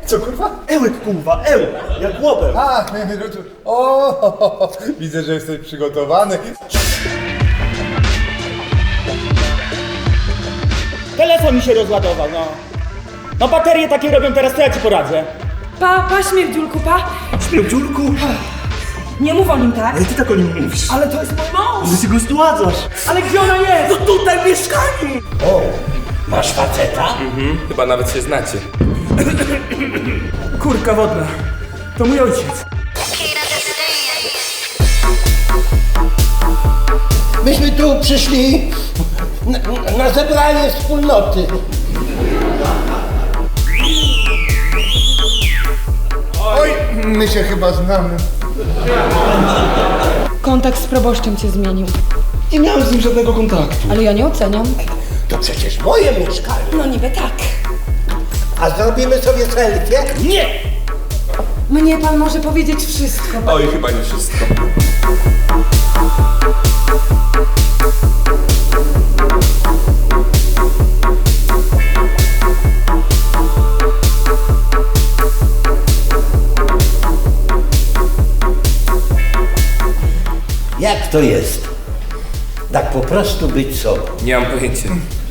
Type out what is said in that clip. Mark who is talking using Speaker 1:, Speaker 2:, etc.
Speaker 1: Co kurwa?
Speaker 2: Ełek kurwa, ełek, jak łobem.
Speaker 1: A, o, widzę, że jesteś przygotowany.
Speaker 2: Telefon mi się rozładował, no. No baterie takie robią teraz, to ja ci poradzę.
Speaker 3: Pa, śmierdziulku, pa.
Speaker 2: Śmierdziulku?
Speaker 3: Nie mów o nim tak.
Speaker 2: Ale ty tak o nim mówisz.
Speaker 3: Ale to jest mój mąż.
Speaker 2: Że się go zdładzasz.
Speaker 3: Ale gdzie ona jest?
Speaker 2: No tutaj w mieszkaniu.
Speaker 4: O, masz faceta?
Speaker 5: Chyba nawet się znacie.
Speaker 2: Kurka wodna. To mój ojciec.
Speaker 4: Myśmy tu przyszli na zebranie wspólnoty.
Speaker 1: Oj, my się chyba znamy.
Speaker 3: Kontakt z proboszczem cię zmienił.
Speaker 5: Nie miałem z nim żadnego kontaktu.
Speaker 3: Ale ja nie oceniam.
Speaker 4: To przecież moje mieszkanie.
Speaker 3: No niby tak.
Speaker 4: A zrobimy sobie selfie?
Speaker 2: Nie!
Speaker 3: Mnie pan może powiedzieć wszystko.
Speaker 5: Oj, chyba nie wszystko.
Speaker 4: Jak to jest? Tak po prostu być sobą.
Speaker 5: Nie mam pojęcia.